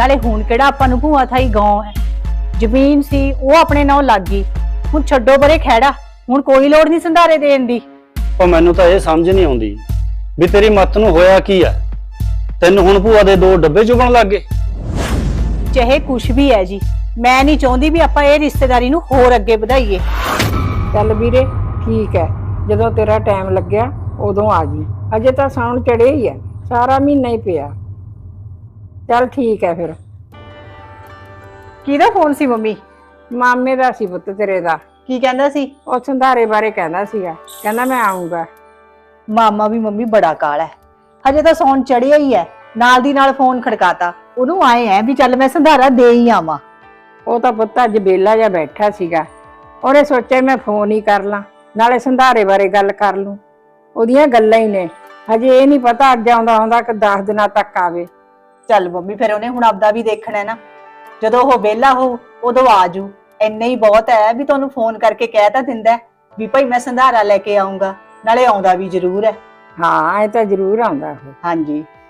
ਨਾਲੇ ਹੁਣ ਕਿਹੜਾ ਆਪਾਂ ਨੂੰ ਭੂਆ ਥਾਈ ਗਾਉਂ ਹੈ। ਜ਼ਮੀਨ ਸੀ ਉਹ ਆਪਣੇ ਨਾਲ ਲੱਗ ਗਈ। ਹੁਣ ਛੱਡੋ ਪਰੇ ਖਹਿੜਾ, ਹੁਣ ਕੋਈ ਲੋੜ ਨਹੀਂ ਸੰਧਾਰੇ ਦੇਣ ਦੀ। ਪਰ ਮੈਨੂੰ ਤਾਂ ਇਹ ਸਮਝ ਨਹੀਂ ਆਉਂਦੀ ਵੀ ਤੇਰੀ ਮੱਤ ਨੂੰ ਹੋਇਆ ਕੀ ਆ। ਤੈਨੂੰ ਹੁਣ ਭੂਆ ਦੇ 2 ਡੱਬੇ ਚੁਗਣ ਲੱਗ ਗਏ। ਚਾਹੇ ਕੁਛ ਵੀ ਹੈ ਜੀ, ਮੈਂ ਨਹੀਂ ਚਾਹੁੰਦੀ ਵੀ ਆਪਾਂ ਇਹ ਰਿਸ਼ਤੇਦਾਰੀ ਨੂੰ ਹੋਰ ਅੱਗੇ ਵਧਾਈਏ। ਚੱਲ ਵੀਰੇ ਠੀਕ ਹੈ, ਜਦੋਂ ਤੇਰਾ ਟਾਈਮ ਲੱਗਿਆ ਉਦੋਂ ਆ ਜੀ। ਅਜੇ ਤਾਂ ਸਾਉਣ ਚੜ੍ਹੇ ਹੀ ਹੈ, ਸਾਰਾ ਮਹੀਨਾ ਹੀ ਪਿਆ। ਚੱਲ ਠੀਕ ਹੈ ਫਿਰ। ਕਿਹਦਾ ਫੋਨ ਸੀ ਮੰਮੀ? ਮਾਮੇ ਦਾ ਸੀ ਪੁੱਤ ਤੇਰੇ ਦਾ। ਕੀ ਕਹਿੰਦਾ ਸੀ? ਉਹ ਸੰਧਾਰੇ ਬਾਰੇ ਕਹਿੰਦਾ ਸੀਗਾ, ਕਹਿੰਦਾ ਮੈਂ ਆਉਂਗਾ। ਮਾਮਾ ਵੀ ਮੰਮੀ ਬੜਾ ਕਾਲਾ ਹੈ, ਹਜੇ ਤਾਂ ਸੌਣ ਚੜਿਆ ਹੀ ਹੈ, ਨਾਲ ਦੀ ਨਾਲ ਫੋਨ ਖੜਕਾਤਾ। ਉਹਨੂੰ ਆਏ ਹੈ ਵੀ ਚੱਲ ਮੈਂ ਸੰਧਾਰਾ ਦੇ ਹੀ ਆਵਾਂ। ਉਹ ਤਾਂ ਪੁੱਤ ਅੱਜ ਬੇਲਾ ਜਿਹਾ ਬੈਠਾ ਸੀਗਾ, ਉਹਨੇ ਸੋਚਿਆ ਮੈਂ ਫੋਨ ਹੀ ਕਰ ਲਾਂ, ਨਾਲੇ ਸੰਧਾਰੇ ਬਾਰੇ ਗੱਲ ਕਰ ਲੂੰ। ਉਹਦੀਆਂ ਗੱਲਾਂ ਹੀ ਨੇ, ਹਜੇ ਇਹ ਨਹੀਂ ਪਤਾ ਅੱਜ ਆਉਂਦਾ ਹੁੰਦਾ ਕਿ 10 ਦਿਨਾਂ ਤੱਕ ਆਵੇ। ਚੱਲ ਮੰਮੀ ਫਿਰ ਉਹਨੇ ਹੁਣ ਆਪਦਾ ਵੀ ਦੇਖਣਾ ਹੈ ਨਾ, ਜਦੋਂ ਉਹ ਵਿਹਲਾ ਹੋ ਉਦੋਂ ਆਜੂ। ਇੰਨਾ ਹੀ ਬਹੁਤ ਹੈ ਵੀ ਤੁਹਾਨੂੰ ਫੋਨ ਕਰਕੇ ਕਹਿ ਤਾਂ ਦਿੰਦਾ ਵੀ ਭਾਈ ਮੈਂ ਸੰਧਾਰਾ ਲੈ ਕੇ ਆਉਂਗਾ, ਨਾਲੇ ਆਉਂਦਾ ਵੀ ਜ਼ਰੂਰ ਹੈ। ਹਾਂ ਇਹ ਤਾਂ ਜ਼ਰੂਰ ਆਉਂਦਾ ਉਹ। ਹਾਂਜੀ